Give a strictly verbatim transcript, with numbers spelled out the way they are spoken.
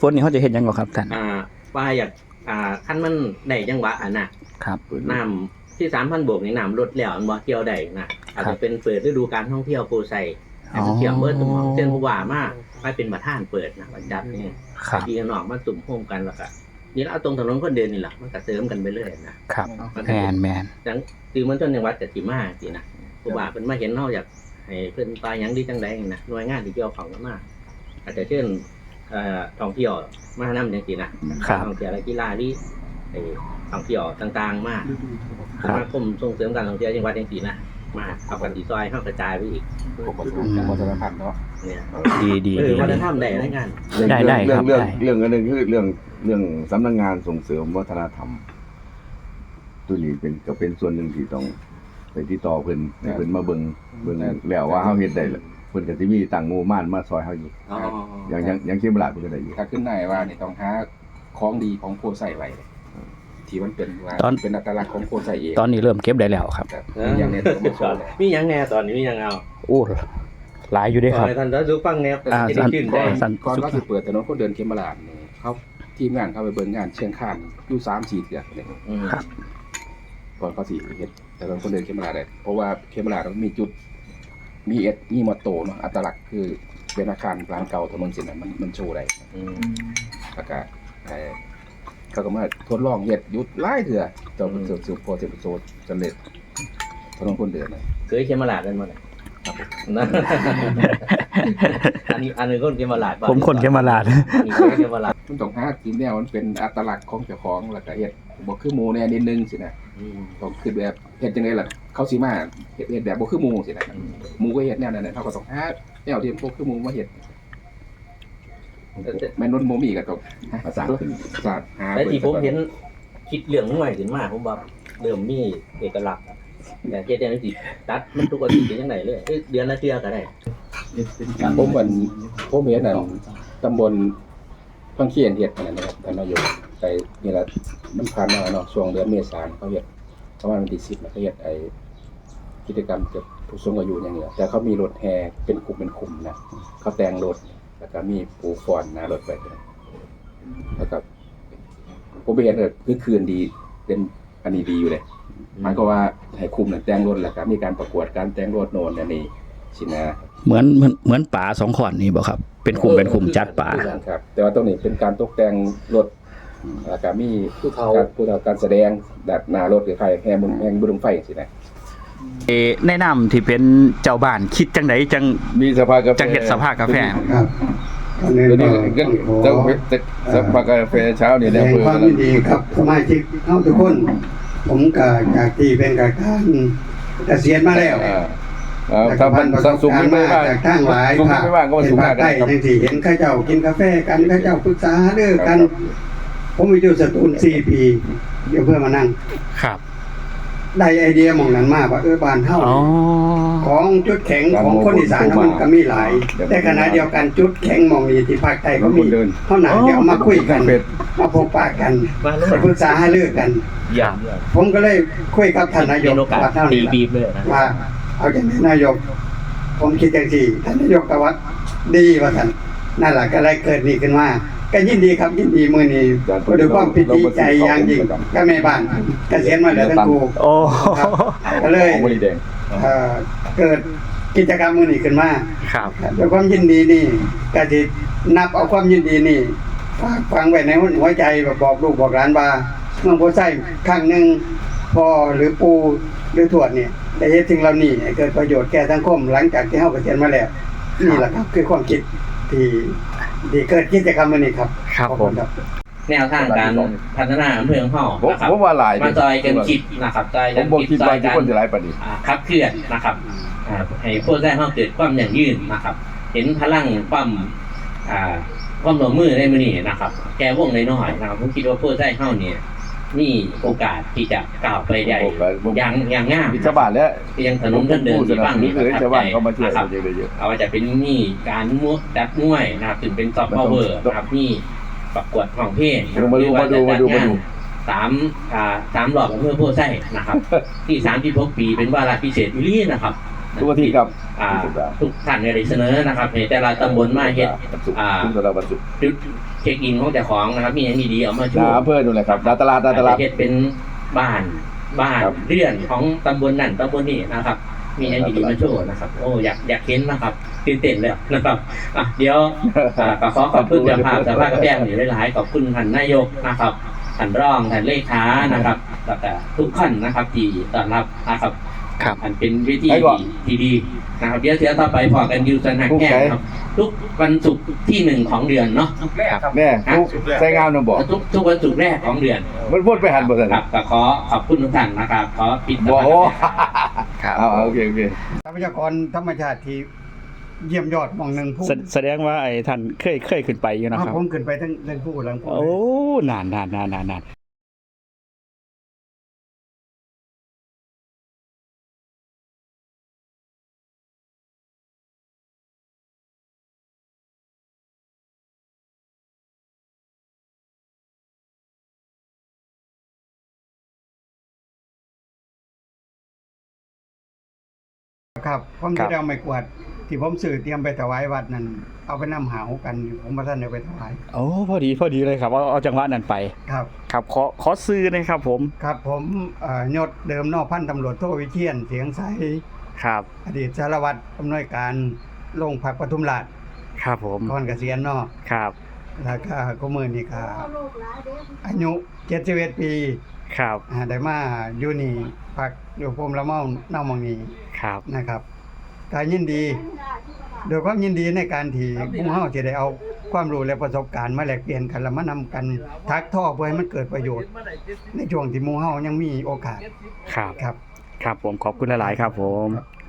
ฝนนี่เขาจะเห็นยังไงครับท่านอ่าว่าอยากอ่าขั้นมันได้จังหวะอ่ะนะครับน้ำที่สามพันบวกนี่น้ำลดแล้วอันบ่เที่ยวได้นะอาจจะเป็นเปิดฤดูการท่องเที่ยวโพไซให้มันเที่ยวเบิดตุ่มเช่นผู้ว่ามากไปเป็นประธานเปิดนะประจัดนี่พี่น้องมาตุ่มโฮมกันแล้วก็นี่เราเอาตรงถนนคนเดินนี่แหละมันก็เสริมกันไปเรื่อยนะครับแมนแมนจังคือมันต้นจังหวัดกับสีมาสินะผู้ว่าเป็นมาเห็นนอกจากให้เพิ่นตายยังดีจังไดนะหน่วยงานที่เกี่ยวข้องกันมาอาจจะเช่นเอ่อท่องเที่ยวมานำจังซี่นะท่องเที่ยวและกีฬาที่ไอ้ท่องเที่ยวต่างๆมาสมาคมส่งเสริมการท่องเที่ยวจังหวัดจังซี่นะมาเอากันที่ซอยเฮากระจายไปอีกวัฒนธรรมเนาะเนี่ยดีดีเออวัฒนธรรมได้รายงานได้ได้ครับเรื่องเรื่องอันนึงคือเรื่องเรื่องสำนักงานส่งเสริมวัฒนธรรมตัวนี้เป็นก็เป็นส่วนหนึ่งที่ต้องไปที่ต่อเพิ่นเพิ่นมาเบิ่งเบิ่งแล้วว่าเฮาเฮ็ดได้เพิ่นก็สิมีตั้งงบประมาณมาซอยเฮาอยู่อย่างอย่างอย่างเช่นเวลาเพิ่นก็ได้อยู่ถ้าขึ้นได้ว่านี่ต้องหาของดีของโพไซไว้ที่มันเป็นว่าเป็นอัตลักษณ์ของโพไซเองตอนนี้เริ่มเก็บได้แล้วครับมีอย่างแน่ตัวมาสอนมีอย่างแน่ตอนนี้มีอย่างเอาโอ้หลายอยู่ด้วยครับท่านจะฟังแนวจะได้ชื่นใจก่อนว่าสิเปิดถนนคนเดินเขมราชนี่เขาทีมงานเข้าไปเบิ่งงานเชียงคานอยู่ สามสี่ เดือนนี่ครับก่อนเขาสิเฮ็ดถนนคนเดินเขมราชได้เพราะว่าเขมราชมันมีจุดมีเอ็ดมีมอโตเนาะอัตลักษณ์คือเป็นอาคารร้านเก่าถนนเส้นนั้นมันมันโชว์ได้อืมแล้วก็เขาก็มาทดลองเฮ็ดยุดหลายเถื่อจนสุดสุดพอเสร็จโซสำเร็จถนนคนเดินนะเคยเขมราชกันบ่ครับอันนี้อันนึงคนเขมราชผมคนเขมราชนี่คนเขมราชมันต้องหาที่แนวมันเป็นอัตลักษณ์ของเจ้าของแล้วก็เฮ็ดบ่คือหมู่แน่นิดนึงสินะอืมต้องคิดแบบเฮ็ดจังได๋ล่ะเขาสิมาเฮ็ดเฮ็ดแบบบ่คือหมู่สินะหมู่ก็เฮ็ดแนวนั้นน่ะเฮาก็ต้องหาแนวที่บ่คือหมู่มาเฮ็ดแม่นนบ่มีก็ต้องภาษาขึ้นภาษาหาแต่ที่ผมเห็นคิดเรื่องใหม่ขึ้นมาผมว่าเริ่มมีเอกลักษณ์แต่เฮ็ดจังซี่ตัดมันทุกอาทิตย์จังได๋เลยเดือนละเทื่อก็ได้ผมวันผมเห็นนั่นตำบลพังเคียนเฮ็ดนั่นนะครับท่านนายกไปนี่ล่ะมันผ่านมาเนาะช่วงเดือนเมษายนเขาเฮ็ดประมาณวันที่สิบเขาเฮ็ดไอ้กิจกรรมเกี่ยวกับผู้สูงอายุอย่างเงี้ยแต่เขามีรถแห่เป็นกลุ่มเป็นกลุ่มนะเขาแต่งรถแล้วก็มีปูฟอนหน้ารถไปแล้วก็ผมไปเห็นเลยคือคืนดีเป็นอันนี้ดีอยู่เลยหมายก็ว่าให้คุมเนี่ยแต่งรถแล้วก็มีการประกวดการแต่งรถโน่นอันนี้สินะเหมือนเหมือนเหมือนป่าสองขอนนี่บ่ครับเป็นคุมเป็นคุมจัดป่าครับแต่ว่าตรงนี้เป็นการตกแต่งรถแล้วก็มีผู้เฒ่าผู้เฒ่าการแสดงแบบหน้ารถคือใครแห่บุญแห่บุญไฟสินะเอแนะนำที่เป็นเจ้าบ้านคิดจังไดจังมีสภากาแฟจังเฮ็ดสภากาแฟครับตัวนี้ก็เจ้าสภากาแฟเช้านี่ได้เพิ่นความยินดีครับสมาชิกเฮาทุกคนผมก็จากที่เป็นการเกษียณมาแล้วเอ่อถ้าพันสุขไม่ว่าจากทางหลายภาคไม่ว่าก็สุขได้จังซี่เห็นเขาเจ้ากินกาแฟกันเขาเจ้าปรึกษาเด้อกันผมอยู่สตูลสี่ปีเดี๋ยวเพื่อมานั่งครับได้ไอเดียหม่องนั้นมาว่าเออบ้านเฮาของจุดแข็งของคนอีสานมันก็มีหลายแต่ขณะเดียวกันจุดแข็งหม่องนี้ที่ภาคใต้ก็มีเฮาน่าจะเอามาคุยกันมาพบปะกันปรึกษาหารือกันอย่างผมก็เลยคุยกับท่านนายกว่าเท่านี้ว่าเอาจังได๋นายกผมคิดจังซี่ท่านนายกก็ว่าดีว่าท่านนั่นล่ะก็เลยเกิดนี่ขึ้นมาก็ยินดีครับยินดีมื้อนี้ด้วยความปิติใจอย่างยิ่งก็แม่บ้านเกษียณมาแล้วทั้งคู่โอ้ก็เลยเอ่อเกิดกิจกรรมมื้อนี้ขึ้นมาครับด้วยความยินดีนี่ก็สินับเอาความยินดีนี่ฝากฝังไว้ในหัวใจบอกลูกบอกหลานว่าเมืองโพไซครั้งนึงพ่อหรือปู่หรือทวดเนี่ยได้เฮ็ดสิ่งเหล่านี้ให้เกิดประโยชน์แก่สังคมหลังจากที่เฮาเกษียณมาแล้วนี่แหละครับคือความคิดที่ที่เกิดกิจกรรมมื้อนี้ครับครับผมแนวทางการพัฒนาอำเภอของเฮานะครับผมว่าหลายมาจอยกันคิดนะครับจอยกันคิดจอยกันขับเคลื่อนนะครับอ่าให้โพไซเฮาเกิดความยั่งยืนนะครับเห็นพลังความอ่าความร่วมมือในมื้อนี้นะครับแก้วงน้อยๆนะครับผมคิดว่าโพไซเฮาเนี่ยมีโอกาสที่จะก้าวไปได้อย่างอย่างงามชาวบ้านแล้วยังถนนเดินที่บ้านนี้คือชาวบ้านเขามาช่วยเยอะๆเอาว่าจะเป็นนี่การมั่วดัดมวยนะครับถึงเป็นซอฟต์พาวเวอร์นะครับนี่ประกวดของเพลงมาดูมาดูมาดูมาดูสามอ่าสามหลอดอำเภอโพไซนะครับที่สามสิบหกปีเป็นวาระพิเศษอีหลีนะครับทุกอาทิตย์ครับอ่าทุกท่านเนี่ยได้เสนอนะครับในแต่ละตำบลมาเฮ็ดวันศุกร์อ่าทุกสัปดาห์วันศุกร์จุดเช็คอินของเจ้าของนะครับมีอย่างดีๆเอามาโชหน้าว์อำเภอนู่นแหละครับหน้าตลาดหน้าตลาดอาจจะเฮ็ดเป็นบ้านบ้านครับเรือนของตำบลนั่นตำบลนี้นะครับ มีอย่างดีๆมาโชว์นะครับ โอ้อยากอยากเห็นนะครับตื่นเต้นแล้วนะครับอ่ะเดี๋ยวอ่าก็ขอขอบคุณเจ้าภาพเจ้าภาพกระแพงอยู่หลายๆขอบคุณท่านนายกนะครับท่านรองท่านเลขานะครับแล้วก็ทุกท่านนะครับที่ต้อนรับนะครับครับอันเป็นวิธีไปก่อนที่ดีนะครับเดี๋ยวเสียต่อไปพอกันอยูสนักแก้ครับ ทุกวันศุกร์ที่หนึ่งของเดือนเนาะแม่ผู้ใส่งามนำบอกทุกทุกวันศุกร์แรกของเดือนมันวนไปหันบ่ซั่นครับก็ขอขอบคุณทุกท่านนะครับ ขอปิดบ่โอ้ครับเอาเอาโอเคโอเคทรัพยากรธรรมชาติที่เยี่ยมยอดหมองหนึ่งผู้แสแสดงว่าไอ้ท่านเคยเคยขึ้นไปอยู่นะอ้าวครับผมขึ้นไปทั้งเรื่องผู้หลังผู้โอ้นานนานนานนานนานครับผมจะได้เอาไม้กวาดที่ผมสื่อเตรียมไปถวายวัดนั่นเอาไปนำหาวกันอยู่ผมมาท่านเอาไปถวายโอ้พอดีพอดีเลยครับเอาเอาจังหวะนั้นไปครับครับขอขอซื้อหนะครับผมครับผมเอ่อยศเดิมนอกพันตำรวจโทวิเชียนเสียงใสครับอดีตสารวัตรอำนวยการโรงพักปทุมราชครับผมก่อนเกษียณเนาะครับแล้วก็ก็มือนี่ก็อายุเจ็ดสิบเอ็ดปีครับอ่าได้มาอยู่นี่พักอยู่ภูมิละเมาเน่าหมองนี้ครับนะครับก็ยินดีโดยความยินดีในการที่พวกเฮาจะได้เอาความรู้และประสบการณ์มาแลกเปลี่ยนกันแล้วมานำกันทักท่อเพื่อให้มันเกิดประโยชน์ ในช่วงที่หมู่เฮายังมีโอกาสครับครับครับผมขอบคุณหลายๆครับผม